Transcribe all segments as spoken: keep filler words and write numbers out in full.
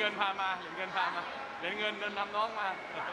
เงินพามาเหรียญเงินพามาเหรียญเงินเดินนำน้องมา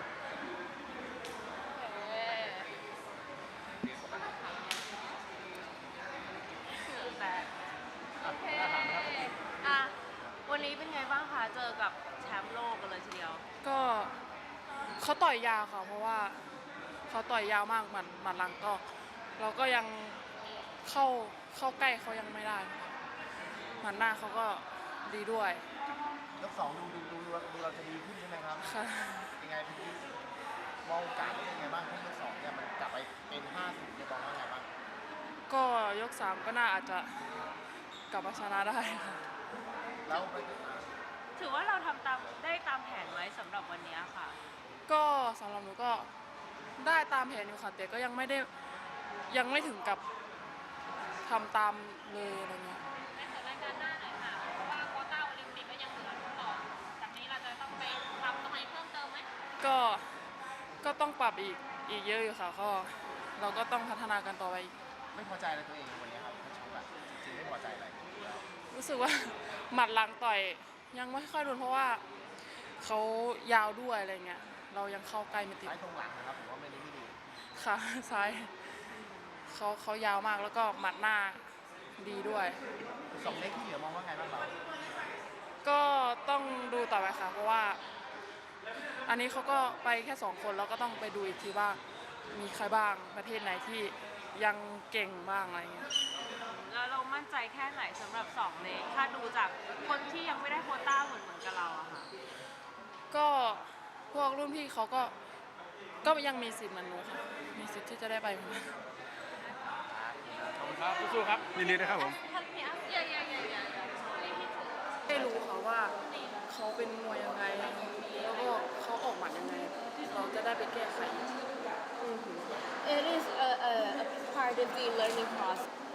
แต่โอเคอ่ะวันนี้เป็นไงบ้างคะเจอกับแชมป์โลกกันเลยทีเดียวก็เขาต่อยยาวค่ะเพราะว่าเขาต่อยยาวมากหมัดหมัดหลังก็เราก็ยังเข้าเข้าใกล้เขายังไม่ได้หมัดหน้าเขาก็ดีด้วยยกสองดูดูดูดูดูเราจะดีขึ้นใช่ไหมครับค่ะยังไงพี่มองโอกาสเป็นยังไงบ้างที่ยกสองเนี่ยมันกลับไปเป็นห้าสิบเนี่ยมองว่าไงบ้างก็ยกสามก็น่าอาจจะกลับมาชนะได้ค่ะแล้วถือว่าเราทำตามได้ตามแผนไว้สำหรับวันนี้ค่ะก็สำหรับหนูก็ได้ตามแผนอยู่ค่ะแต่ก็ยังไม่ได้ยังไม่ถึงกับทำตามเลยอะไรเงี้ยในสถานการณ์หน้าหน่อยค่ะเพราะว่าโควต้าโอลิมปิกก็ยังเหลือต่อจากนี้เราจะต้องไปทำตรงไหนเพิ่มเติมไหมก็ก็ต้องปรับอีกอีกเยอะอยู่ค่ะก็เราก็ต้องพัฒนากันต่อไปอีกไม่พอใจอะไรตัวเองวันนี้ครับชกแบบจริงๆไม่พอใจอะไรรู้สึกว่าหมัดหลังต่อยยังไม่ค่อยโดนเพราะว่าเขายาวด้วยอะไรเงี้ยเรายังเข้าใกล้ไม่ติดซ้ายตรงหลังนะครับผมว่าไม่นี้ไม่ดีค่ะซ้ายเขาเขายาวมากแล้วก็หมัดหน้าดีด้วยสองเล็กที่เหลือมองว่าไงบ้างเราก็ต้องดูต่อไปค่ะเพราะว่าอันนี้เขาก็ไปแค่สองคนแล้วก็ต้องไปดูอีกทีว่ามีใครบ้างประเทศไหนที่ยังเก่งบ้างอะไรเงี้ยแล้วเรามั่นใจแค่ไหนสำหรับสองเลนถ้าดูจากคนที่ยังไม่ได้โควต้าเหมือนเหมือนกับเราอะค่ะก็พวกรุ่นพี่เขาก็ก็ยังมีสิทธิ์เหมือนหนูค่ะมีสิทธิ์ที่จะได้ไปเหมือนกันขอบคุณครับสู้ๆครับยินดีนะครับผมได้รู้ค่ะว่าเขาเป็นมวยยังไงแล้วก็เขาออกหมัดยังไงเราจะได้ไปแก้ไข It is a, a, a part of the learning process.